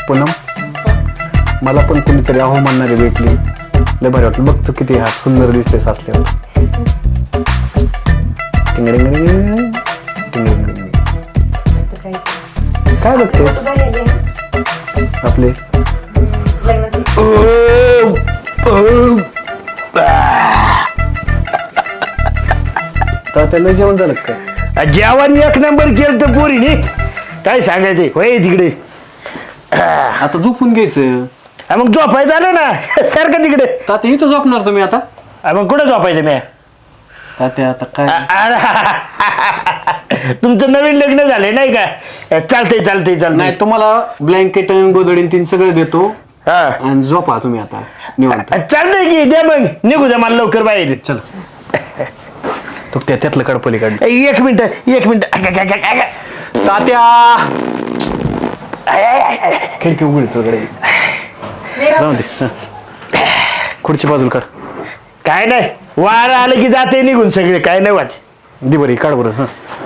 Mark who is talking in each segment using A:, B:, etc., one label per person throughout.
A: पूनम मला पण कोणीतरी अहो म्हणणारी भेटली, लय भारी वाटलं. बघतो किती हा सुंदर दिसते सासल्यावर. काय बघतेस आपले? त्याला जेवण झालं काय?
B: जेवण एक नंबर केलं तर पोरीने, काय सांगायचे होय तिकडे.
A: आता झोपून घ्यायचं.
B: मग झोपायचं आलं ना सारखं तिकडे.
A: तात्या इथं झोपणार तुम्ही आता?
B: मग कुठं झोपायचं मी?
A: तात्या आता काय?
B: तुमचं नवीन लग्न झालंय नाही का? चालतंय चालतंय
A: नाही,
B: चालतंय.
A: तुम्हाला ब्लँकेट आणि गोदडीन तीन सगळं देतो
B: हा
A: आणि झोपा तुम्ही आता निवांत.
B: चालतंय की द्या, मग निघू द्या मला लवकर बाहेर.
A: चल तू त्यातलं काढ पलीकडे.
B: एक मिनिट.
A: तात्या खिडकी उघडी तुझ्याकडे जाऊ दे. खुर्ची बाजूला काढ.
B: काय नाही, वार आलं की जाते निघून सगळे, काय नाही वाच.
A: दे बरी काढ बरं.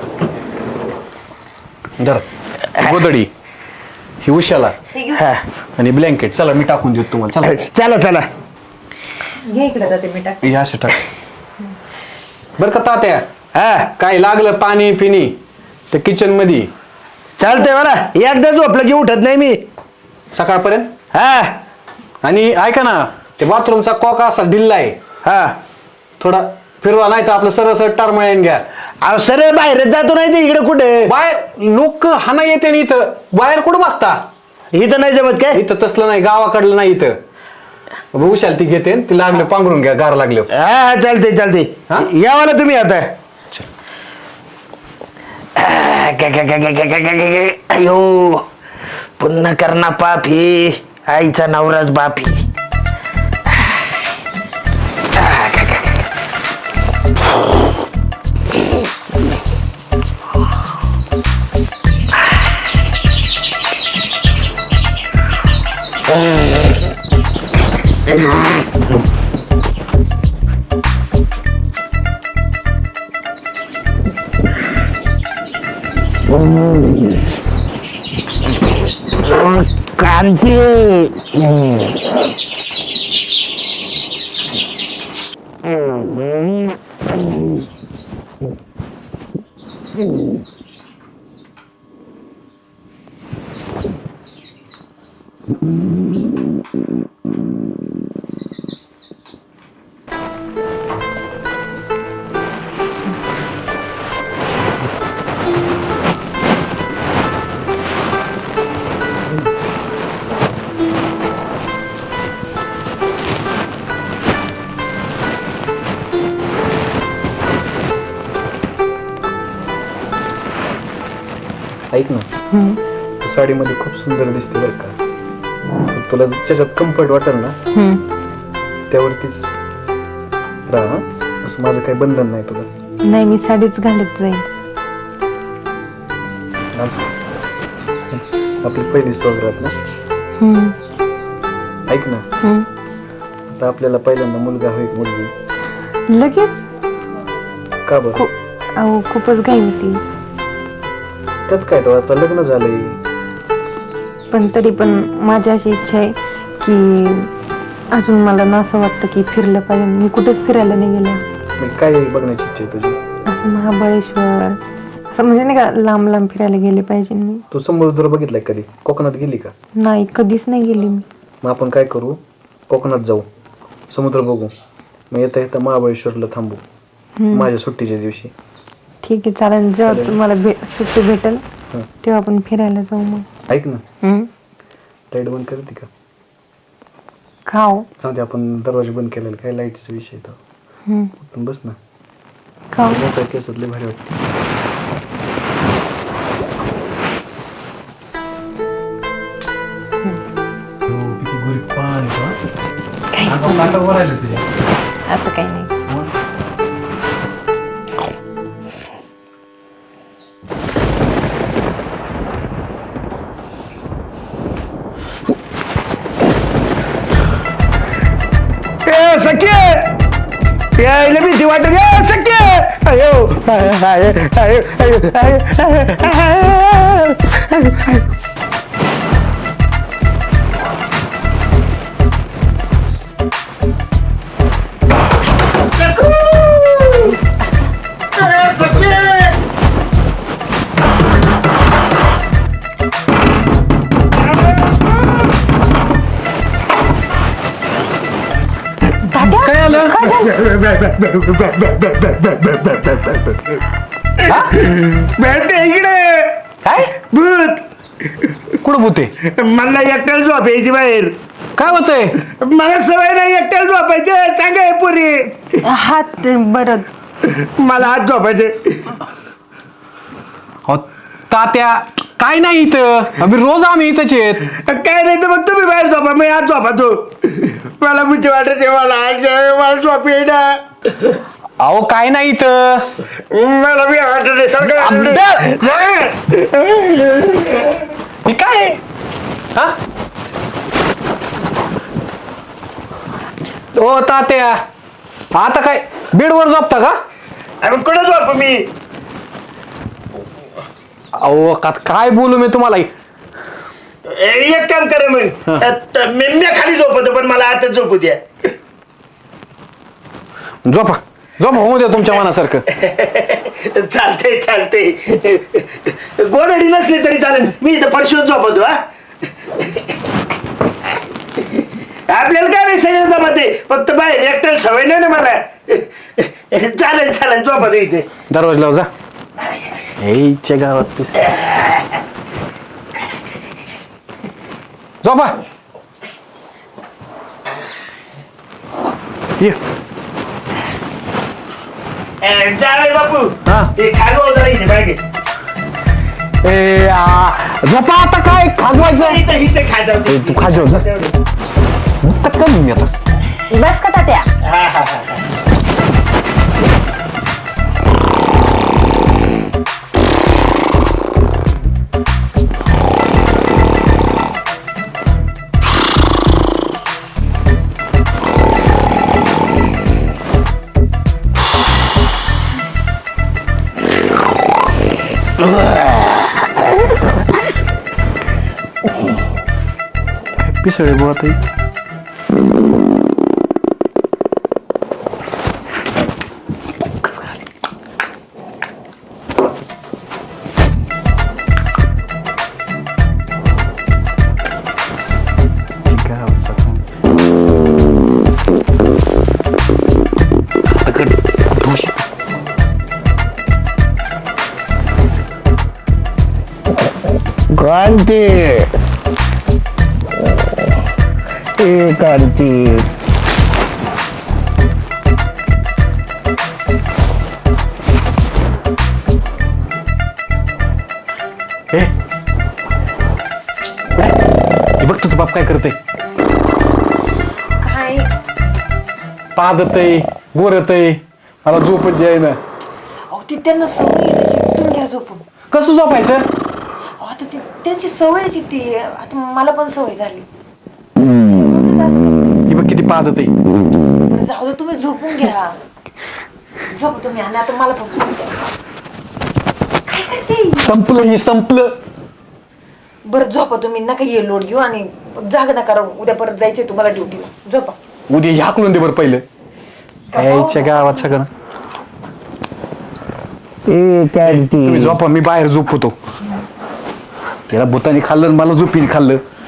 A: धर गोदडी ही उशाला
B: हा
A: आणि ब्लँकेट. चला मी टाकून देतो तुम्हाला. चला
B: चला चला.
C: घे इकडे जाते मी टाक.
A: हे असं टाक बरं का तात्या.
B: हा
A: काय लागलं पाणी पिणी तर किचन मध्ये
B: चालतंय मला. एकदा झोपलं की उठत नाही मी
A: सकाळपर्यंत.
B: हा
A: आणि ऐका ना, ते बाथरूमचा कॉक असा ढिल्ला आहे,
B: हा.
A: थोडा फिरवा, नाही तर आपलं सरळ सरळ टरमळ्यान घ्या.
B: अहो सरळ बाहेरच जातो नाही ते इकडे कुठे.
A: बाहेर लोक हाना येते ना इथं, बाहेर कुठं बसता?
B: इथं नाही जमत काय?
A: इथं तसलं नाही, गावाकडलं नाही इथं. उशाल ती घेते ती लागलं पांघरून घ्या, गार लागलं.
B: हा चालते चालते.
A: हा?
B: यावा ना तुम्ही आता. अयो पुन्हा करणा पापी, आईचा नवराच बापी. क्रांती.
A: ऐक ना, तू साडीमध्ये खूप सुंदर दिसते बरं का. तुला ज्याच्यात कम्फर्ट वाटेल ना त्यावरतीच राहा. असं माझं काही बंधन नाही तुला.
C: नाही, मी साडीच घालत जाईल.
A: आज आपली पहिली सोबत ना. ऐक ना, आता आपल्याला पहिल्यांदा मुलगा होईल मुलगी.
C: लगेच?
A: का बरं?
C: अहो खूपच घाई होती.
A: त्यात काय, तो आता लग्न झालंय.
C: पण तरी पण माझी अशी इच्छा आहे की अजून मला ना असं वाटतं की फिरलं पाहिजे. मी कुठेच फिरायला नाही गेले.
A: मग काय बघण्याची इच्छा आहे तुझी?
C: असं महाबळेश्वर, असं म्हणजे नाही का, लांब लांब फिरायला गेले पाहिजे मी.
A: तू समुद्र बघितलाय कधी? कोकणात गेली का?
C: नाही, कधीच नाही गेली मी.
A: मग आपण काय करू, कोकणात जाऊ, समुद्र बघू, मग येता येता महाबळेश्वरला थांबू माझ्या सुट्टीच्या दिवशी.
C: ठीक आहे, चालेल. जेव्हा तुम्हाला सुट्टी भेटेल तेव्हा आपण फिरायला जाऊ. मग
A: ऐक ना, लाईट बंद करते का?
C: खाऊ
A: जाऊ दे, आपण दरवाजा बंद केलेला, काय लाईटचा विषय तो. पण बस ना,
C: खाऊ.
A: मोठ्या केसातले भारी वाटते.
C: असं काही नाही.
B: सख्य यायला भीती वाटत गे सख्य. अयो भेटते इकडे
D: काय
B: भूत
D: कुठं भूते
B: मला एकट्याला झोपायची बाहेर
D: काय होतंय
B: मला सवय नाही एकट्याला झोपायचे सांगा हे पुरी
C: हात बरं
B: मला आज झोपायचे
D: अहो, तात्या काय नाही इथं रोज आम्ही इथंच आहेत
B: काय नाही तर मग तुम्ही बाहेर झोपा मी आज झोपातो मला भीती वाटते मला झोप येईना
D: अहो काय नाही इथं
B: मला बी वाटत सगळं
D: हे काय हा ओ तात्या आता काय बेडवर झोपता का
B: अरे कुठं झोप मी
D: अहो काय बोलू मी तुम्हाला
B: एक काम करे मग मी खाली झोपतो पण मला आता झोपू द्या
D: झोपा झोपा होऊ द्या तुमच्या मनासारखं
B: चालते गोडडी नसली तरी चालेल मी इथं परशुत झोपतो हा आपल्याला काय नाही सगळं जमते फक्त बाहेर एकट्याला सवय नाही ना मला चालेल झोपतो इथे
D: दरवाज लाव जा हेच्या गावात झोपा ये
B: जावे बापू
D: हा.
B: ते खागो जरा इथे बागे
D: झोपा आता काय खाजवायचं
B: इथे खायचं
D: ए, तू खाजव जा मुक्कात का मी आता
C: बस का तात्या
B: हा हा हा
D: पिसळे बोलत
B: क्रांती ए क्रांती
D: बघ तुझं बाप काय करते
C: काय
D: पाजतय गोरतय मला झोपच आहे ना
C: अहो ती त्यांना सवय आहे तशी तुम्ही घ्या झोपून
D: कसं झोपायचं
C: अहो, आता ती त्यांची सवयची ती आता मला पण सवय झाली
D: ही बघ किती पाजत आहे
C: बरं, जाऊ दे तुम्ही झोपून घ्या झोप तुम्ही आणि आता मला पण झोप द्या. काय करते
D: संपलं ही संपलं
C: बरं झोपा तुम्ही नका ये लोड घेऊ आणि जाग नका राहू उद्या परत जायचंय तुम्हाला ड्युटीला झोपा
D: उद्या हाकलून दे बरं पहिलं यायच्या गावात सगळं
B: ए क्रांती
D: तुम्ही झोपा मी बाहेर झोपतो त्याला भूतानी खाल्लं आणि मला झोपीने खाल्लं